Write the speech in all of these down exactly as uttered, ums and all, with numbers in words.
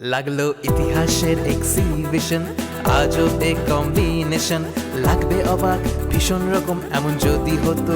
লাগলো ইতিহাসের exhibition, আজবে combination, লাগবে অবাক ভীষণ রকম এমন যদি হতো।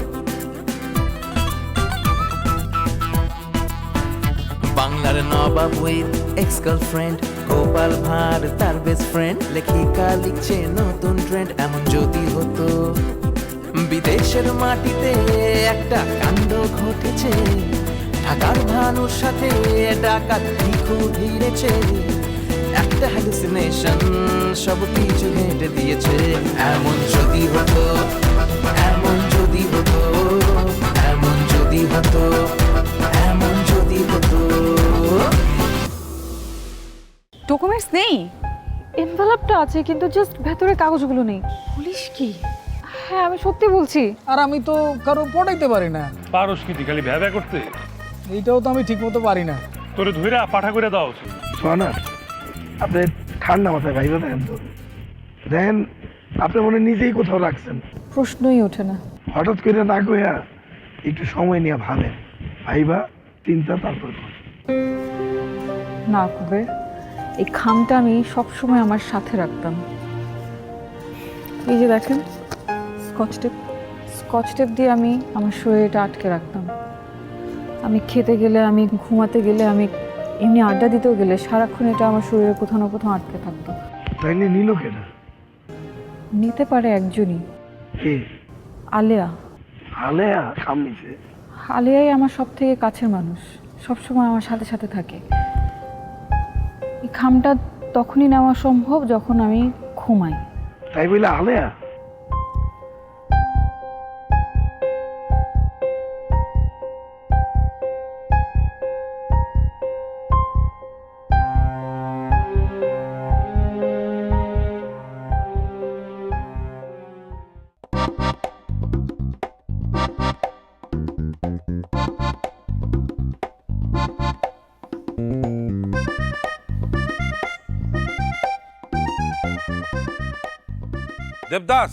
বাংলার নবাব with ex girlfriend, Gopal Bhar তার বেস্ট ফ্রেন্ড, লেখিকা লিখছে নতুন ট্রেন্ড এমন যদি হতো। বিদেশের মাটিতে একটা কাণ্ড ঘটেছে, ঢাকার ভানুর সাথে ডাকাত ভিখু ভিড়েছে, একটা হ্যালুসিনেশন সব কিছু হেঁটে দিয়েছে। এমন যদি হতো, এমন যদি হতো, এমন যদি হতো, এমন যদি হতো। ডকুমেন্টস নেই, এনভেলপটা আছে কিন্তু জাস্ট ভেতরে কাগজগুলো নেই। পুলিশ কি? হ্যাঁ আমি সত্যি বলছি। আর আমি তো কারো পটাইতে পারি না। পারস কি খালি ভ্যাবা করতে? এইটাও তো আমি ঠিক মতো পারি না। তোরে ধুইরা পাঠা করে দাও উচিত। সোহানা, আপনি ঠান্ডা মাথায় ভাইবা দেখেন তো, দেখেন আপনি মনে নিজেই কোথাও রাখছেন, প্রশ্নই ওঠে না। হঠাৎ করে না কইয়া একটু সময় নিয়ে ভাবেন, ভাইবা চিন্তা তারপর করেন। না কুবের, এই খামটা আমি সবসময় আমার সাথে রাখতাম। এই যে দেখেন স্কচ টেপ, স্কচ টেপ দিয়ে আমি আমার শরীরটা আটকে রাখতাম। আমি খেতে গেলে, আমি ঘুমাতে গেলে, আমি এমনি আড্ডা দিতেও গেলে সারাক্ষণ এটা আমার শরীরে কোথাও না কোথাও আটকে থাকতো। তাইলে নিল কেনা? নিতে পারে একজনই, কে? আলেয়া। আলেয়া খাম নিছে? আলেয়াই আমার সব থেকে কাছের মানুষ, সবসময় আমার সাথে সাথে থাকে। এই খামটা তখনই নেওয়া সম্ভব যখন আমি ঘুমাই। তাই বলে আলেয়া? দেবদাস,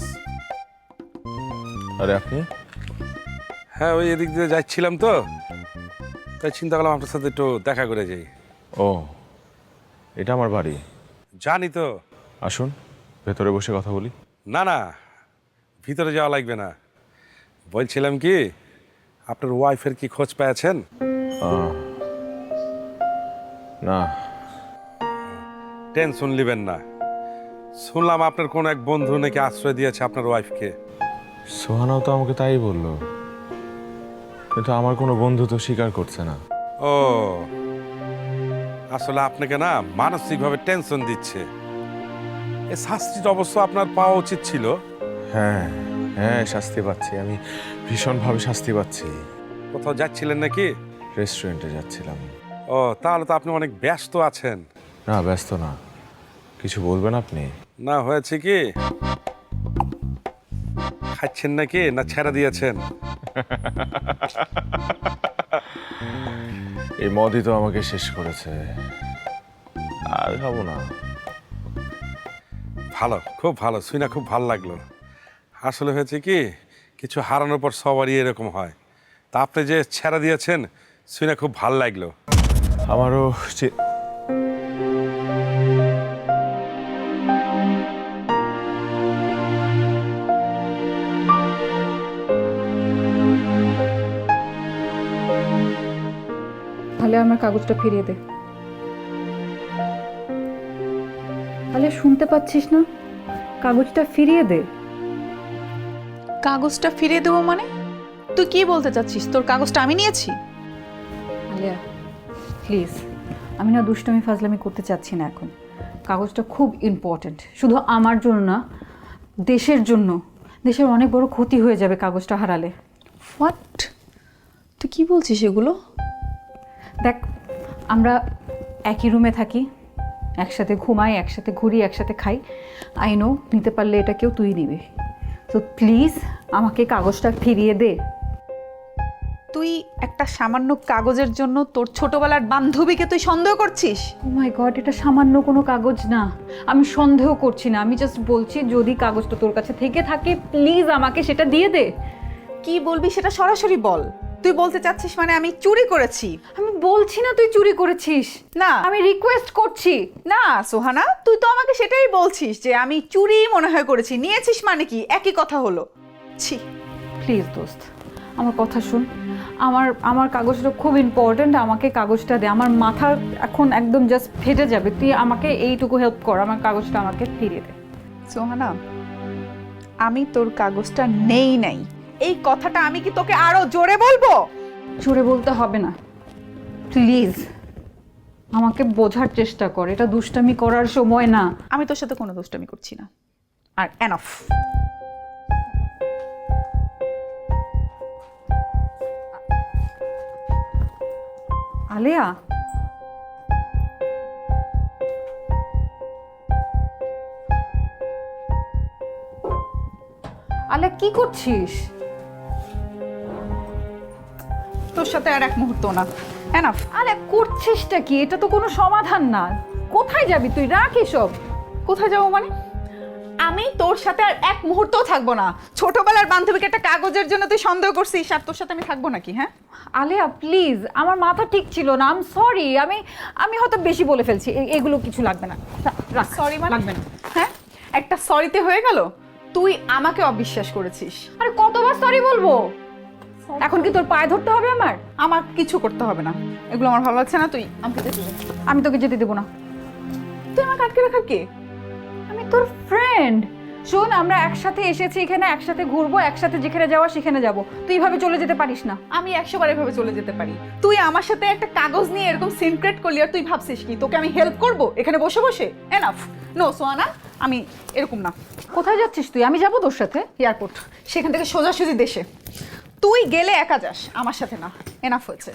আরে আপনি? হ্যাঁ ওই এদিক দিয়ে যাচ্ছিলাম তো, তাই চিন্তা করলাম আপনার সাথে একটু দেখা করে যাই। ও, এটা আমার বাড়ি। জানি তো। আসুন ভেতরে বসে কথা বলি। না না, ভিতরে যাওয়া লাগবে না। বলছিলাম কি, আপনার ওয়াইফের কি খোঁজ পেয়েছেন? আহ, না। টেনশন নেবেন না। শুনলাম আপনার কোন এক বন্ধু নাকি আশ্রয় দিয়েছে আপনার ওয়াইফকে। সোহানাও তো আমাকে তাই বললো, কিন্তু আমার কোনো বন্ধু তো স্বীকার করছে না। ও, আসলে আপনাকে না মানসিকভাবে টেনশন দিচ্ছে। এই শাস্তিটা অবশ্য আপনার পাওয়া উচিত ছিল। হ্যাঁ হ্যাঁ, শাস্তি পাচ্ছি আমি, ভীষণভাবে শাস্তি পাচ্ছি। কোথাও যাচ্ছিলেন নাকি? রেস্টুরেন্টে যাচ্ছিলাম। ও, তাহলে তো আপনি অনেক ব্যস্ত আছেন। না ব্যস্ত না, কিছু বলবেন আপনি? না, হয়েছে কি, খাচ্ছেন নাকি না ছেড়ে দিয়েছেন? এই মদই তো আমাকে শেষ করেছে, আর খাবো না। ভালো, খুব ভালো, শুনে খুব ভালো লাগলো। আসলে হয়েছে কি, কিছু হারানোর পর সবারই এরকম হয়। তা আপনি যে ছেড়ে দিয়েছেন শুনে খুব ভালো লাগলো। আমারও চি- তাহলে আমার কাগজটা ফিরিয়ে দে। তাহলে শুনতে পাচ্ছিস না? কাগজটা ফিরিয়ে দে। কাগজটা ফিরিয়ে দেবো মানে? তুই কি বলতে চাচ্ছিস? তোর কাগজটা আমি নিয়েছি? আলিয়া প্লিজ, আমি না দুষ্টমি ফাজলামি করতে চাচ্ছি না এখন। কাগজটা খুব ইম্পর্ট্যান্ট, শুধু আমার জন্য না, দেশের জন্য। দেশের অনেক বড় ক্ষতি হয়ে যাবে কাগজটা হারালে। হোয়াট? তুই কি বলছিস এগুলো? দেখ, আমরা একই রুমে থাকি, একসাথে ঘুমাই, একসাথে ঘুরি, একসাথে খাই। আই নো নিতে পারলে এটা কেউ তুই নিবে। তো প্লিজ আমাকে কাগজটা ফিরিয়ে দে। তুই একটা সামান্য কাগজের জন্য তোর ছোটবেলার বান্ধবীকে তুই সন্দেহ করছিস? ও মাই গড, এটা সামান্য কোনো কাগজ না। আমি সন্দেহ করছি না, আমি জাস্ট বলছি যদি কাগজটা তোর কাছে থেকে থাকে প্লিজ আমাকে সেটা দিয়ে দে। কি বলবি সেটা সরাসরি বল। তুই বলতে চাচ্ছিস মানে আমি চুরি করেছি? আমি বলছি না তুই চুরি করেছিস, না আমি রিকোয়েস্ট করছি। না সোহানা, তুই তো আমাকে সেটাই বলছিস যে আমি চুরি মনে হয় করেছি, নিয়েছিস মানে কি একই কথা হলো। ছি, প্লিজ দোস্ত আমার কথা শুন, আমার আমার কাগজটা খুব ইম্পর্ট্যান্ট, আমাকে কাগজটা দে, আমার মাথা এখন একদম জাস্ট ফেটে যাবে, তুই আমাকে এইটুকু হেল্প কর, আমার কাগজটা আমাকে ফিরিয়ে দে। সোহানা, আমি তোর কাগজটা নেই নাই, এই কথাটা আমি কি তোকে আরো জোরে বলবো? জোরে বলতে হবে না, প্লিজ আমাকে বোঝার চেষ্টা কর, এটা দুষ্টামি করার সময় না। আমি তোর সাথে কোনো দুষ্টামি করছি না, আর এনাফ। আলেয়া, আলেয়া কি করছিস? তোর সাথে আর এক মুহূর্ত না, এনাফ। আলে করছিসটা কি? এটা তো কোনো সমাধান না। কোথায় যাবি তুই? রাখ এসব। কোথায় যাবো মানে? আমি তোর সাথে আর এক মুহূর্তও থাকবো না। ছোটবেলার বান্ধবীকে একটা কাগজের জন্য তুই সন্দেহ করছিস, আর তোর সাথে আমি থাকবো নাকি? হ্যাঁ আলেয়া প্লিজ, আমার মাথা ঠিক ছিল না, আই এম সরি, আমি আমি হয়তো বেশি বলে ফেলছি, এ- এগুলো কিছু লাগবে না। রাখ, সরি মানে? লাগবে না। হ্যাঁ, একটা সরিতে হয়ে গেল? তুই আমাকে অবিশ্বাস করেছিস। আরে কতবার সরি বলবো? এখন কি তোর পায়ে ধরতে হবে আমার? আমার কিছু করতে হবে না, এগুলো আমার ভালো লাগছে না। তুই আমাকে যেতে দে। আমি তোকে যেতে দেবো না। তুই আমাকে আটকে রাখার কে? আমি তোর ফ্রেন্ড। শোন, আমরা একসাথে এসেছি এখানে, একসাথে ঘুরবো, একসাথে যেখানে যাওয়া সেখানে যাবো, তুই এইভাবে চলে যেতে পারিস না। আমি একশো বার এভাবে চলে যেতে পারি। তুই আমার সাথে একটা কাগজ নিয়ে এরকম সিনক্রেট করলি, আর তুই ভাবছিস কি তোকে আমি হেল্প করব এখানে বসে বসে? এনাফ। নো সোয়ানা, আমি এরকম না। কোথায় যাচ্ছিস তুই? আমি যাবো তোর সাথে এয়ারপোর্ট, সেখান থেকে সোজাসুজি দেশে। তুই গেলে একা যাস, আমার সাথে না। এনাফ হয়েছে।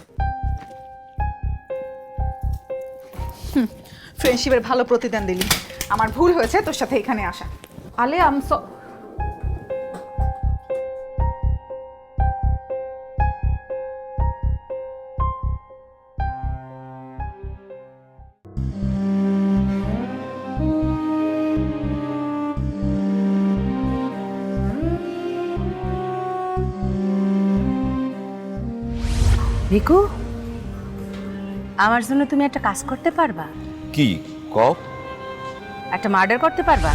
ফ্রেন্ডশিপের ভালো প্রতিদান দিলি। আমার ভুল হয়েছে তোর সাথে এখানে আসা। আলে আম স ভিকু, আমার জন্য তুমি একটা কাজ করতে পারবা? কি কও? একটা মার্ডার করতে পারবা?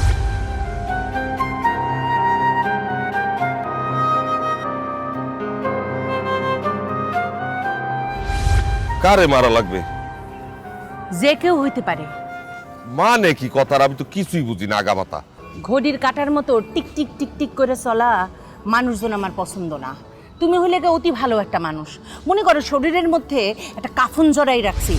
কারে মারা লাগবে? যে কেউ হইতে পারে। মানে কি কথার আমি তো কিছুই বুঝি না আগামাতা। ঘড়ির কাটার মতো টিক টিক টিক টিক করে চলা মানুষজন আমার পছন্দ না। তুমি হইলে গিয়ে অতি ভালো একটা মানুষ, মনে করো শরীরের মধ্যে একটা কাফন জড়াই রাখছি।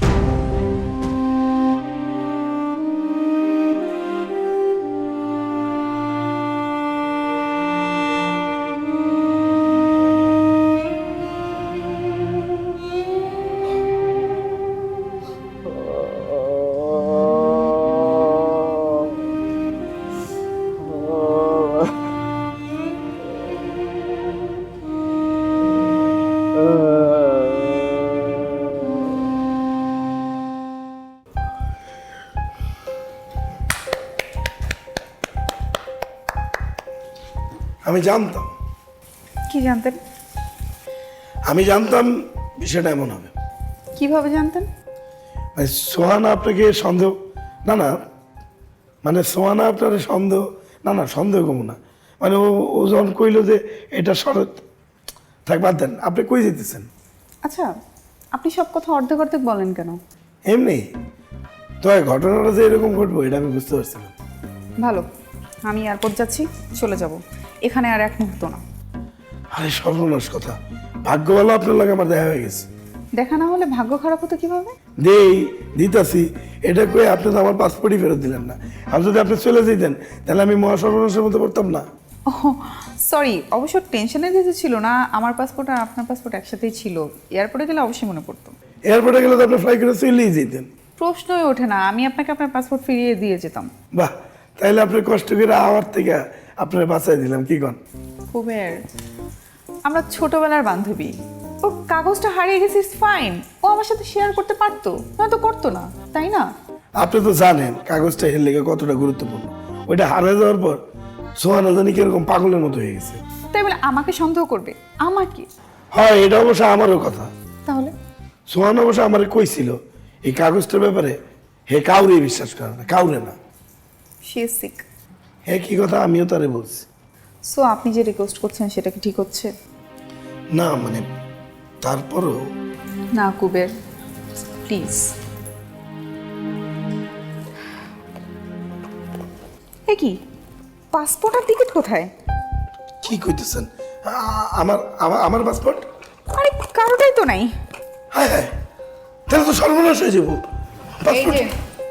আমি জানতাম, কি জানতেন? আমি জানতাম বিষয়টা এমন হবে। কিভাবে জানতেন? মানে সোহানা আপনাকে সন্দেহ, না না মানে সোহানা আপনার সন্দেহ, না না সন্দেহ কম না, মানে ও ও যখন কইল যে এটা শরৎ, থাক বাদ দেন, আপনি কই যেতেছেন? আচ্ছা, আপনি সব কথা অর্ধেক অর্ধেক বলেন কেন? এমনি তো ঘটনাটা যে এরকম ঘটবো এটা আমি বুঝতে পারছিলাম। ভালো, আমি এয়ারপোর্ট যাচ্ছি, চলে যাব, এখানে আর এক মুহূর্ত না। আরে সর্বনাশ কথা, ভাগ্য ভালো আপনার লাগে আমার দেখা হয়ে গেছে। দেখা না হলে ভাগ্য খারাপ হতো কিভাবে? দেই দিতাছি, এটা কয়ে আপনি তো আমার পাসপোর্টই ফেরত দিলেন না। আর যদি আপনি চলে যেতেন তাহলে আমি মহা সর্বনাশের মতো পড়তাম না। ও সরি, অবশ্য টেনশনের কিছু ছিল না, আমার পাসপোর্ট আর আপনার পাসপোর্ট একসাথেই ছিল, এয়ারপোর্টে গেলে অবশ্যই মনে পড়তো। এয়ারপোর্টে গেলে তো আপনি ফ্লাই করে চলেই যেতেন। প্রশ্নই ওঠে না, আমি আপনাকে আপনার পাসপোর্ট ফিরিয়ে দিয়ে যেতাম। বাহ, তাইলে আপনি কষ্ট করে আমার থেকে আপনার বাঁচাই দিলাম, কি কন? কুবের, আমরা ছোটবেলার বান্ধবী, ওর কাগজটা হারিয়ে গেছে, ফাইন, ও আমার সাথে শেয়ার করতে পারতো, নয়তো করতো না, তাই না? আপনি তো জানেন কাগজটা এর লেগে কতটা গুরুত্বপূর্ণ। ওইটা হারিয়ে যাওয়ার পর সোহানা জানি কিরকম পাগলের মতো হয়ে গেছে। তাই বলে আমাকে সন্দেহ করবে? আমাকে? হয় এটা অবশ্য আমারও কথা। তাহলে সোহান অবশ্য আমার কইছিল এই কাগজটার ব্যাপারে হে কাউরে বিশ্বাস করে না, কাউরে না। She is sick. হ্যাঁ কি কথা আমিও তারে বলছি। সো আপনি যে রিকোয়েস্ট করছেন সেটা কি ঠিক হচ্ছে? না মানে তারপরও না কুবের, প্লিজ। এ কি পাসপোর্ট আর টিকিট কোথায়? কি কইতেছেন? আ- আমার আমার আমার পাসপোর্ট? আরে কারোটাই তো নাই। হ্যাঁ হ্যাঁ, তাহলে তো সর্বনাশ হয়ে যাবো। এই যে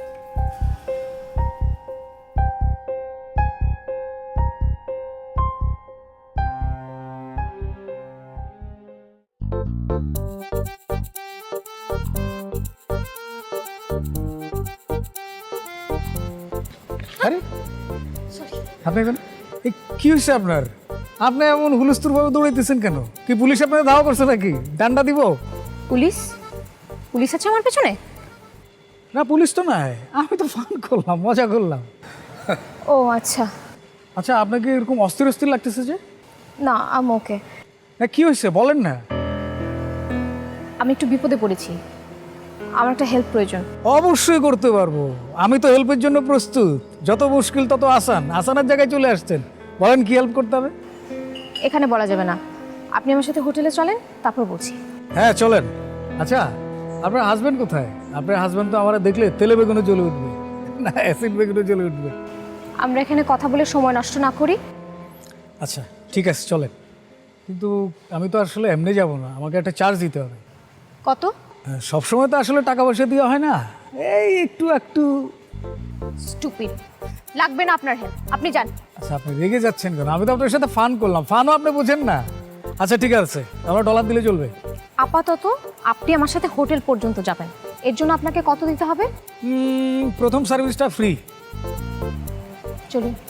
আরে আপনি এখন এই কি হয়েছে আপনার? আপনি এমন হুলস্থুল ভাবে দৌড়াইতেছেন কেন? কি পুলিশ আপনাকে ধাওয়া করছে নাকি? ডান্ডা দিব? পুলিশ পুলিশ আছে আমার পেছনে? না পুলিশ তো নাই, আমি তো ফান করলাম, মজা করলাম। ও আচ্ছা। আচ্ছা আপনাকে এরকম অস্থির অস্থির লাগতেছে যে? না আম ওকে। না কি হয়েছে বলেন না। আমি একটু বিপদে পড়েছি, আমার একটা হেল্প প্রয়োজন। অবশ্যই করতে পারবো, আমি তো হেল্পের জন্য প্রস্তুত। যত মুশকিল তত আসান, আসানের জায়গায় চলে আসছেন। বলেন কি হেল্প করতে হবে? এখানে বলা যাবে না, আপনি আমার সাথে হোটেলে চলেন, তারপর বলছি। হ্যাঁ চলেন। আচ্ছা আপনার হাজবেন্ড কোথায়? আপনার হাজবেন্ড তো আমার দেখলে তেলে বেগুনে জ্বলে উঠবে, না অ্যাসিড বেগুনে জ্বলে উঠবে। আমরা এখানে কথা বলে সময় নষ্ট না করি। আচ্ছা ঠিক আছে চলেন, কিন্তু আমি তো আসলে এমনি যাব না, আমাকে একটা চার্জ দিতে হবে। কত? হ্যাঁ, সবসময় তো আসলে টাকা পয়সা দেওয়া হয় না, এই একটু একটু। স্টুপিড, লাগবে না আপনার হেল্প, আপনি যান। আচ্ছা আপনি রেগে যাচ্ছেন কেন? আমি তো আপনার সাথে ফান করলাম, ফানও আপনি বোঝেন না। আচ্ছা ঠিক আছে, আমরা ডলার দিলে চলবে। আপাতত আপনি আমার সাথে হোটেল পর্যন্ত যাবেন, এর জন্য আপনাকে কত দিতে হবে? উম, প্রথম সার্ভিসটা ফ্রি। চলুন।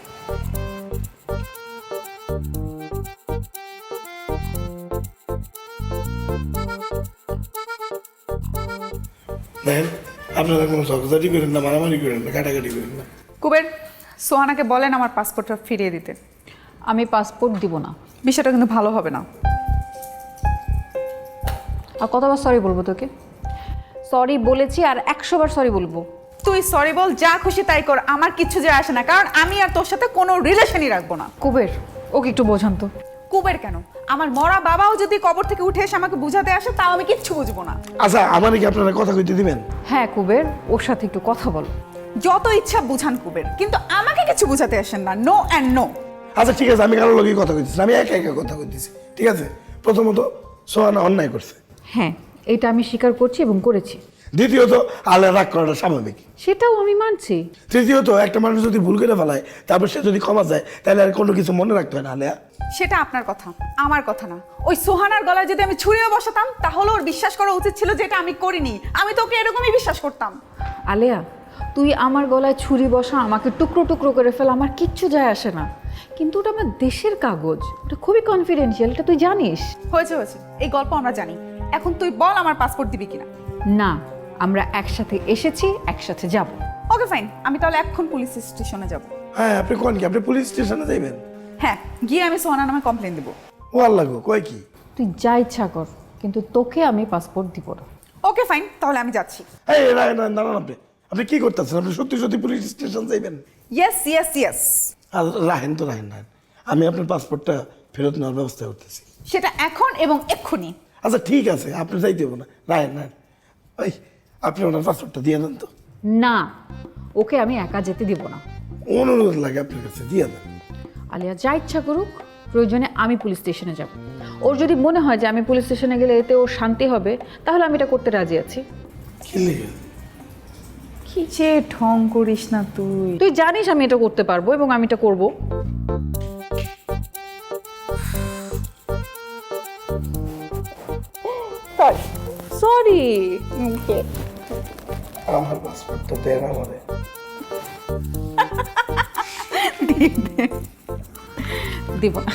দেখেন আপনারা কোনো ঝগড়াঝাটি করেন না, মারামারি করেন না, কাটাকাটি করেন না। কুবের, সোহানাকে বলেন আমার পাসপোর্টটা ফিরিয়ে দিতে। আমি পাসপোর্ট দিব না। বিষয়টা কিন্তু ভালো হবে না। আর কতবার সরি বলবো তোকে? সরি বলেছি আর একশো বার সরি বলবো। তুই সরি বল, যা খুশি তাই কর, আমার কিচ্ছু যায় আসে না, কারণ আমি আর তোর সাথে কোনো রিলেশনই রাখবো না। কুবের ওকে একটু বোঝান তো। কুবের কেন? আমার মরা বাবাও যদি কবর থেকে উঠে এসে আমাকে বুঝাতে আসে, তাও আমি কিচ্ছু বুঝবো না। আচ্ছা আমার কি আপনারা কথা কইতে দিবেন? হ্যাঁ কুবের, ওর সাথে একটু কথা বলো। যত ইচ্ছা বুঝান কুবের, কিন্তু আমাকে কিছু বুঝাতে আসেন না। No and no. আচ্ছা ঠিক আছে, আমি কারোর লোকই কথা কইতেছি না, আমি একা একা কথা কইতেছি। ঠিক আছে, প্রথমত সোহানা অন্যায় করছে, হ্যাঁ এটা আমি স্বীকার করছি এবং করেছি। দ্বিতীয়ত আলে রাগ করাটা স্বাভাবিক, সেটাও আমি মানছি। তৃতীয়ত একটা মানুষ যদি ভুল করে ফেলায় তারপর সে যদি ক্ষমা যায় তাহলে আর কোনো কিছু মনে রাখতে হয় না। আলেয়া সেটা আপনার কথা, আমার কথা না। ওই সোহানার গলায় যদি আমি ছুরিও বসাতাম, তাহলে ওর বিশ্বাস করা উচিত ছিল যে এটা আমি করিনি। আমি তোকে এরকমই বিশ্বাস করতাম। আলেয়া তুই আমার গলায় ছুরি বসা, আমাকে টুকরো টুকরো করে ফেল, আমার কিচ্ছু যায় আসে না, কিন্তু ওটা আমার দেশের কাগজ, ওটা খুবই কনফিডেন্সিয়াল, এটা তুই জানিস। হয়েছে হয়েছে, এই গল্প আমরা জানি। এখন তুই বল আমার পাসপোর্ট দিবি কিনা। না, আমরা একসাথে এসেছি, একসাথে যাব। ওকে ফাইন, আমি তাহলে এখন পুলিশ স্টেশনে যাব। হ্যাঁ আপনি কোন কি, আপনি পুলিশ স্টেশনে যাইবেন? হ্যাঁ, গিয়ে আমি সোহানা নামে কমপ্লেন দেবো। ও আল্লাহ গো, কয় কি? তুই যা ইচ্ছা কর, কিন্তু তোকে আমি পাসপোর্ট দিব না। ওকে ফাইন, তাহলে আমি যাচ্ছি। এই রায় না দাঁড়ান, আপনি আপনি কি করতেছেন? আপনি সত্যি সত্যি পুলিশ স্টেশন যাইবেন? Yes yes yes. আর রাহেন তো রাহেন রাহেন, আমি আপনার পাসপোর্টটা ফেরত নেওয়ার ব্যবস্থা করতেছি। সেটা এখন এবং এক্ষুনি। আচ্ছা ঠিক আছে, আপনি যাইতে হবে না, রাহেন রাহেন। ওই আপনি ওনার পাসপোর্টটা দিয়ে দেন তো। না, ওকে আমি একা যেতে দিব না। অনুরোধ লাগে আপনার কাছে, দিয়ে দেন। আলিয়া যা ইচ্ছা করুক, প্রয়োজনে আমি পুলিশ স্টেশনে যাব। ওর যদি মনে হয় যে আমি পুলিশ স্টেশনে গেলে এতে ওর শান্তি হবে, তাহলে আমি এটা করতে রাজি আছি। কি লিখে? কি যে ঢং করিস না তুই। তুই জানিস আমি এটা করতে পারবো এবং আমি এটা করব। সরি। আমার পাসপোর্টটা দেন আমারে। দিব না।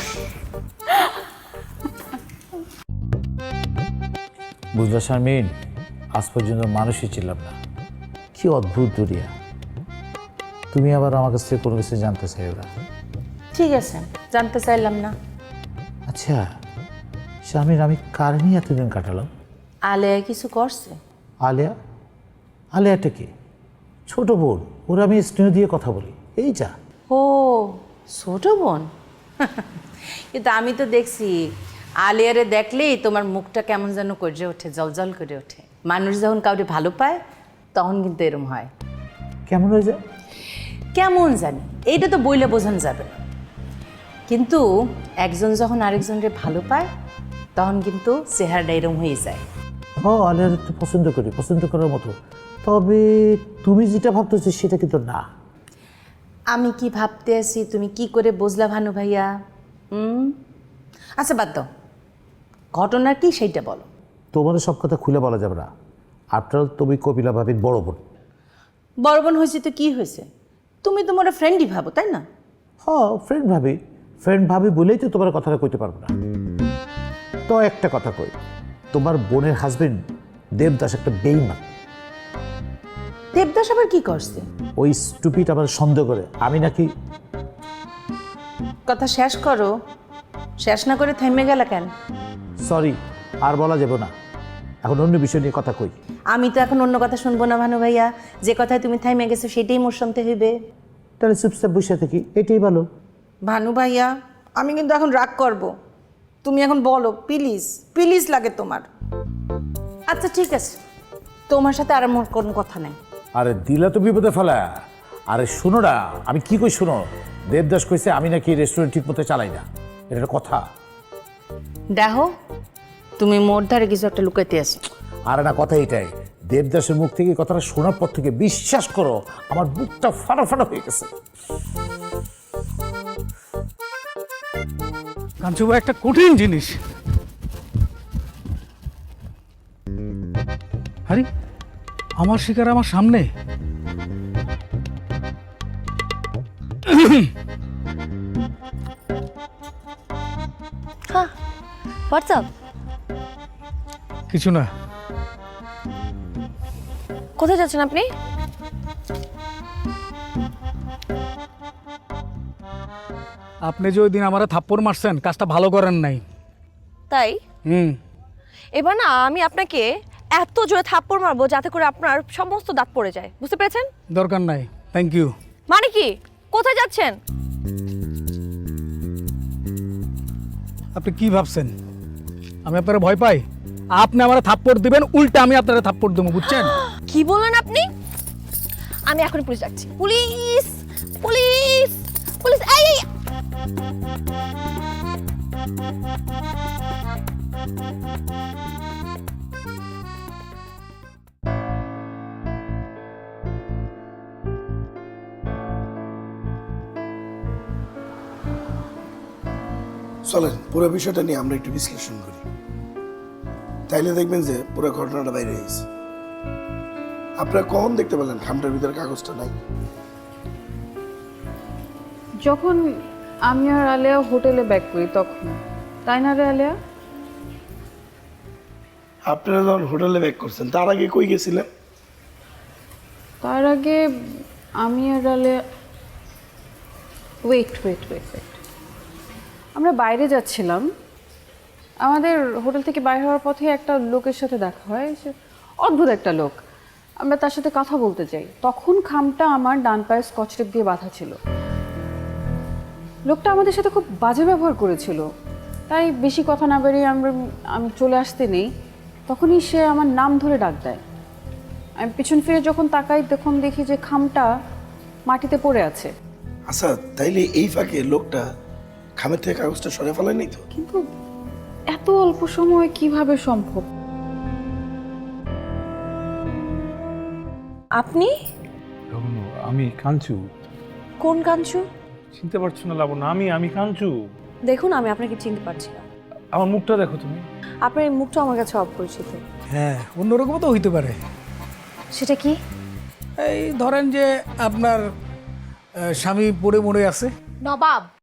বুঝলা শারমিন, আজ পর্যন্ত মানুষই ছিলাম না, কি অদ্ভুত দুনিয়া। তুমি আবার আমার কাছ থেকে কোনো কিছু জানতে চাইও না। ঠিক আছে, জানতে চাইলাম না। আচ্ছা শারমিন, আমি কার নিয়ে এতদিন কাটালাম? আলেয়া কিছু করছে? আলিয়া? আলিয়াটা কি? ছোট বোন, ওরা আমি স্নেহ দিয়ে কথা বলি, এই যা। ও ছোট বোন। কিন্তু আমি তো দেখছি আলিয়ারে দেখলেই তোমার মুখটা কেমন যেন করে ওঠে, জলজল করে ওঠে। মানুষ যখন কাউকে ভালো পায় তখন কিন্তু এরম হয়। কেমন হয়ে যায়? কেমন জানি, এইটা তো বইলে বোঝানো যাবে না, কিন্তু একজন যখন আরেকজনকে ভালো পায় তখন কিন্তু চেহারাটা এরম হয়ে যায়। ও আলিয়ার একটু পছন্দ করি, পছন্দ করার মতো। তবে তুমি যেটা ভাবতেছো সেটা কিন্তু না। আমি কি ভাবতে আছি তুমি কি করে বুঝলা ভানু ভাইয়া? হুম, আচ্ছা বাদ দাও, ঘটনা কি সেইটা বলো। তোমার সব কথা খুলে বলা যাবে না। আফটার অল তুমি কপিলা ভাবির বড় বোন। বড় বোন হয়েছে তো কি হয়েছে, তুমি তোমার ফ্রেন্ডই ভাবো তাই না? হ্যাঁ, ফ্রেন্ড ভাবি, ফ্রেন্ড ভাবি বলেই তো তোমার কথাটা কইতে পারবো না। তো একটা কথা কই, তোমার বোনের হাজবেন্ড দেবদাস একটা বেইমান। দেবদাস আবার কি করছে? ওই স্টুপিড আমার সন্দেহ করে আমি নাকি। কথা শেষ করো, শেষ না করে থেমে গেল কেন? সরি, আর বলা যাবে না, এখন অন্য বিষয় নিয়ে কথা কই। আমি তো এখন অন্য কথা শুনবো না ভানু ভাইয়া, যে কথায় তুমি থেমে গেছো সেটাই মোর শুনতে হইবে। তাহলে চুপচাপ বসে থাকি, এটাই ভালো। ভানু ভাইয়া আমি কিন্তু এখন রাগ করব, তুমি এখন বলো প্লিজ, প্লিজ লাগে তোমার। আচ্ছা ঠিক আছে, তোমার সাথে আর মোর কোনো কথা নাই। আরে দিলা তো বিপদে ফেলা। আরে শোনো না, আমি কি কই শোনো, দেবদাস কইছে আমি নাকি রেস্টুরেন্ট ঠিক মতো চালাই না, এটা একটা কথা। দেখো তুমি মোর ধারে কিছু একটা লুকাইতে আছো। আর না, কথা এটাই, দেবদাসের মুখ থেকে কথাটা শোনার পর থেকে বিশ্বাস করো আমার বুকটা ফাটা ফাটা হয়ে গেছে। কাঞ্চু ভাই একটা কঠিন জিনিস। আরে আমার শিকার আমার সামনে। হ্যাঁ, হোয়াটসঅ্যাপ? কিছু না। কোথায় যাচ্ছেন আপনি? আপনি যে ওই দিন আমারে থাপ্পড় মারছেন, কাজটা ভালো করেন নাই। তাই? হুম। এবার না আমি আপনাকে এত জোরে থাপ্পড় মারবো যাতে করে আপনার সমস্ত দাঁত পড়ে যায়, বুঝতে পেরেছেন? দরকার নাই, থ্যাংক ইউ। মানে কি? কোথায় যাচ্ছেন? আপনি কি ভাবছেন আমি আপনারা ভয় পাই? আপনি আমারে থাপ্পড় দিবেন, উল্টা আমি আপনারা থাপ্পড় দেবো, বুঝছেন? কি বললেন আপনি? আমি এখন পুলিশ ডাকছি। Police, police, police! এই এই! চলেন পুরো বিষয়টা নিয়ে আমরা একটু বিশ্লেষণ করি, তাইলে দেখবেন যে পুরো ঘটনাটা বাইরে হয়েছে। আপনারা কখন দেখতে পেলেন খামটার ভিতরে কাগজটা নাই? যখন আমি আর আলিয়া হোটেলে ব্যাক করি তখন, তাই না রে আলিয়া? আপনারা যখন হোটেলে ব্যাক করছেন তার আগে কই গেছিলেন? তার আগে আমি আর Alia wait wait wait wait আমরা বাইরে যাচ্ছিলাম। আমাদের হোটেল থেকে বাইরে হওয়ার পথে একটা লোকের সাথে দেখা হয়, সে অদ্ভুত একটা লোক। আমরা তার সাথে কথা বলতে চাই, তখন খামটা আমার ডান পায়ে স্কচ টেপ দিয়ে বাঁধা ছিল। লোকটা আমাদের সাথে খুব বাজে ব্যবহার করেছিল, তাই বেশি কথা না বেরিয়ে আমরা আমি চলে আসতে নেই, তখনই সে আমার নাম ধরে ডাক দেয়। আমি পিছন ফিরে যখন তাকাই তখন দেখি যে খামটা মাটিতে পড়ে আছে। আচ্ছা, তাইলে এই ফাঁকে লোকটা খামের থেকে কাগজটা সরে ফেলেনি তো? কিন্তু এত অল্প সময়ে কিভাবে সম্ভব? আপনি? আমি কাঞ্চু। কোন কাঞ্চু? চিনতে পারছো না লাবণ্য? আমি আমি কাঞ্চু। দেখুন আমি আপনাকে চিনতে পারছি না। আমার মুখটা দেখো তুমি। আপনার এই মুখটা আমার কাছে অপরিচিত। হ্যাঁ, অন্যরকম তো হইতে পারে। সেটা কি? এই ধরেন যে আপনার আহ, স্বামী পড়ে মরে আছে। নবাব